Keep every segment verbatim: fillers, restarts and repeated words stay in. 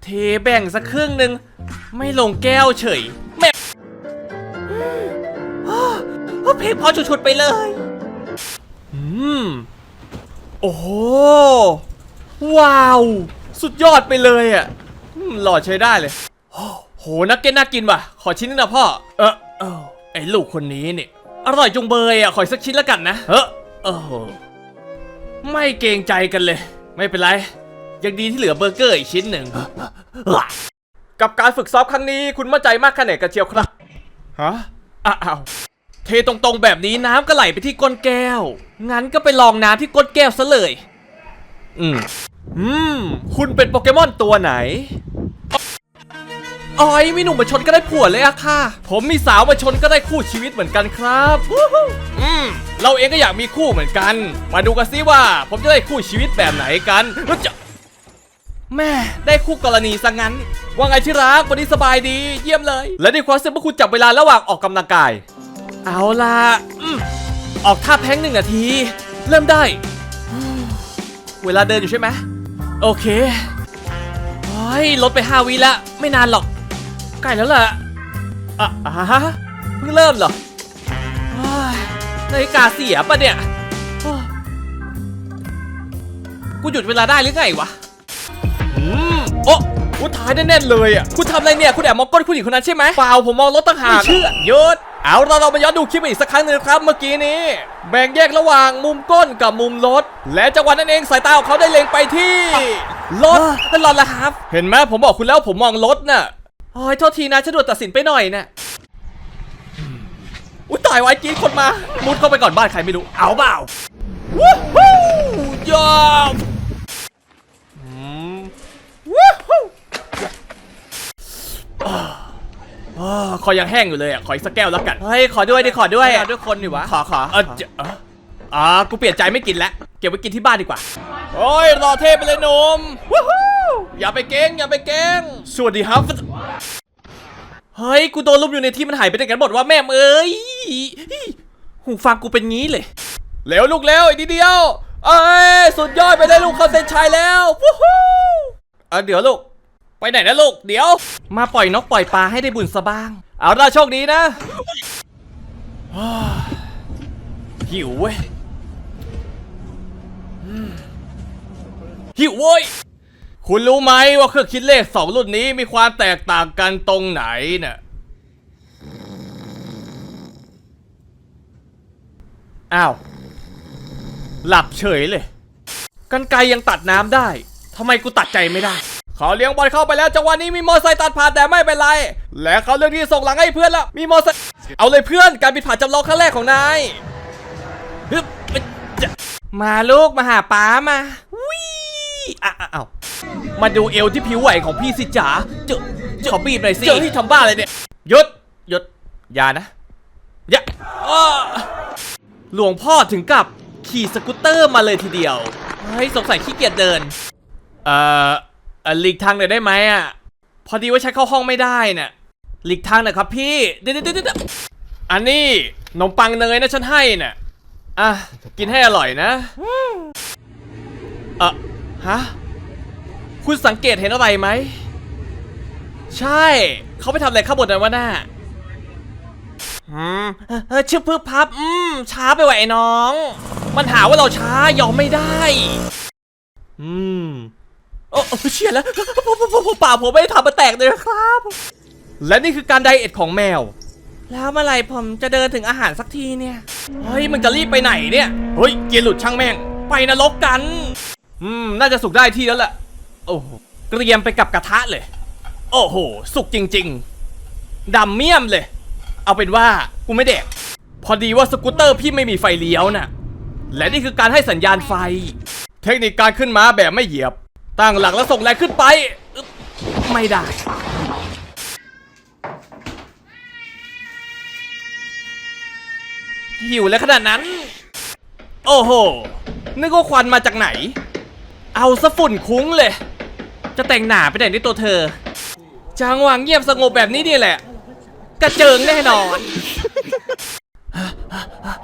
เทแบ่งสักครึ่งหนึ่งไม่ลงแก้วเฉยแม่เพลงพอฉุดๆไปเลยอืมโอ้โหว้าวสุดยอดไปเลยอ่ะหล่อใช้ได้เลยโหนักเก็ตน่ากินว่ะขอชิ้นนึงนะพ่อเออเออไอ้ลูกคนนี้เนี่ยอร่อยจงเบยอ่ะขอสักชิ้นแล้วกันนะเออเออไม่เกรงใจกันเลยไม่เป็นไรยังดีที่เหลือเบอร์เกอร์อีกชิ้นหนึ่งกับการฝึกซ้อมครั้งนี้คุณมั่นใจมากแค่ไหนกันเชียวครับฮะอ้าวเทตรงๆแบบนี้น้ำก็ไหลไปที่ก้นแก้วงั้นก็ไปลองน้ำที่ก้นแก้วซะเลยอืมอืมคุณเป็นโปเกมอนตัวไหนอ๋อยมีหนุ่มมาชนก็ได้ผัวเลยอะค่ะผมมีสาวมาชนก็ได้คู่ชีวิตเหมือนกันครับอืมเราเองก็อยากมีคู่เหมือนกันมาดูกันซิว่าผมจะได้คู่ชีวิตแบบไหนกันจะแม่ได้คู่กรณีซะงั้นว่าไงที่รักวันนี้สบายดีเยี่ยมเลยและในความเสี่ยงพวกคุณจับเวลาระหว่างออกกำลังกายเอาล่ะอืมออกท่าแพ้งหนึ่งนาทีเริ่มได้เวลาเดินอยู่ใช่ไหมโอเคเฮ้ยลดไปห้าวิแล้วไม่นานหรอกใกล้แล้วล่ะอ่ะอ่ะฮะเพิ่งเริ่มเหรอนาฬิกาเสียปะเนี่ยกูหยุดเวลาได้หรือไงวะอืมโอ้กูถ่ายแน่ๆเลยอ่ะคุณทำอะไรเนี่ยคุณแอบมองก้นผู้หญิงคนนั้นใช่ไหมเปล่าผมมองรถต่างหากไม่เชื่อหยุดเอาเราเรามาย้อนดูคลิปอีกสักครั้งหนึ่งครับเมื่อกี้นี้แบ่งแยกระหว่างมุมก้นกับมุมรถและจังหวะนั้นเองสายตาของเขาได้เล็งไปที่รถนั่นรถละครับเห็นไหมผมบอกคุณแล้วผมมองรถน่ะโอ้ยโทษทีนะฉันด่วนตัดสินไปหน่อยน่ะอุ้ยตายไว้กี้คนมามุดเข้าไปก่อนบ้านใครไม่รู้เอาเปล่าวู้ฮู้ยอมวู้ฮู้คอยังแห้งอยู่เลยอ่ะขออีกสักแก้วแล้วกันเฮ้ยขอด้วยดิขอด้วยขอด้วยคนดิวะขอขอเอออ่ากูเปลี่ยนใจไม่กินแล้วเก็บไว้กินที่บ้านดีกว่าโอ้ยรอเทพไปเลยหนุ่มวู้ฮู้อย่าไปเก่งอย่าไปเก่งสวัสดีครับเฮ้ยกูโดนลุมอยู่ในที่มันหายไปไหนกันหมดว่าแม่เอ้ยหูฟังกูเป็นงี้เลยเร็วลูกเร็วอีกนิดเดียวเอ้ยสุดยอดไปได้ลูกเข้าเส้นชัยแล้ววู้ฮู้เออเดี๋ยวลูกไปไหนนะลูกเดี๋ยวมาปล่อยนกปล่อยปลาให้ได้บุญซะบ้างเอาล่ะโชคดีนะหิวเว้ยหิวเว้ยคุณรู้ไหมว่าเครื่องคิดเลขสองรุ่นนี้มีความแตกต่างกันตรงไหนน่ะอ้าวหลับเฉยเลยกรรไกรยังตัดน้ำได้ทำไมกูตัดใจไม่ได้เขาเลี้ยงบอลเข้าไปแล้วจังหวะนี้มีมอไซค์ตัดผ่านแต่ไม่เป็นไรและเขาเลือกที่ส่งหลังให้เพื่อนแล้วมีมอไซค์เอาเลยเพื่อนการบินผ่านจำลองครั้งแรกของนายมาลูกมาหาป้ามาวิอ้าวมาดูเอวที่ผิวไหวของพี่สิจ๋าเจอขอบีบหน่อยสิเจอที่ทำบ้าอะไรเนี่ยหยุดหยุดอย่านะอย่าหลวงพ่อถึงกับขี่สกูตเตอร์มาเลยทีเดียวเฮ้ยสงสัยขี้เกียจเดินเอ่อหลีกทางหน่อยได้ไหมอ่ะพอดีว่าใช้เข้าห้องไม่ได้น่ะหลีกทางหน่อยครับพี่เดี๋ยวเดี๋ยวเดี๋ยวอันนี้ขนมปังเนยนะฉันให้น่ะอ่ะกินให้อร่อยนะเอ่อฮะคุณสังเกตเห็นอะไรไหมใช่เขาไปทำอะไรข้างบนนั้นวะน่ะอืมเออชื่อพึ่งพับอืมช้าไปว่ะไอ้น้องมันหาว่าเราช้ายอมไม่ได้อืมโอ้เชี่ยแล้วผมป่าผมไม่ได้ทำมาแตกเลยครับและนี่คือการไดเอทของแมวแล้วเมื่อไหร่ผมจะเดินถึงอาหารสักทีเนี่ยเฮ้ยมึงจะรีบไปไหนเนี่ยเฮ้ยเกียร์หลุดช่างแม่งไปนรกกันอืมน่าจะสุกได้ที่แล้วแหละโอ้โหเกรียมไปกับกระทะเลยโอ้โหสุกจริงๆดำเมี่ยมเลยเอาเป็นว่ากูไม่แดกพอดีว่าสกูตเตอร์พี่ไม่มีไฟเลี้ยวน่ะและนี่คือการให้สัญญาณไฟเทคนิคการขึ้นม้าแบบไม่เหยียบตั้งหลักแล้วส่งแรงขึ้นไปไม่ได้หิวแล้วขนาดนั้นโอ้โหนึกว่าควันมาจากไหนเอาซะฝุ่นคุ้งเลยจะแต่งหน้าไปไหนในตัวเธอจังหวะเงียบสงบแบบนี้นี่แหละกระเจิงแน่นอน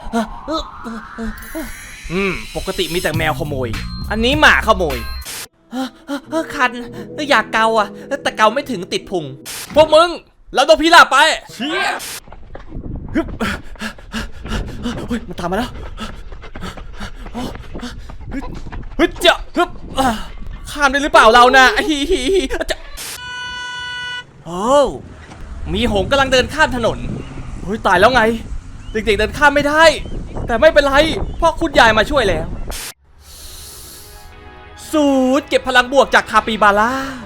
อืมปกติมีแต่แมวขโมยอันนี้หมาขโมยเฮ้อเฮ้อเฮ้อคันอยากเกาอ่ะแต่เกาไม่ถึงติดพุงพวกมึงเราต้องพิลาบไปเชี่ยฮึบเฮ้ยมันตามมาแล้วฮึบเจ้าฮึบข้ามได้หรือเปล่าเรานะฮิฮิฮิจะโอ้มีหงส์กำลังเดินข้ามถนนเฮ้ยตายแล้วไงเด็กๆเดินข้ามไม่ได้แต่ไม่เป็นไรเพราะคุณยายมาช่วยแล้วสูดเก็บพลังบวกจากคาปิบาร่า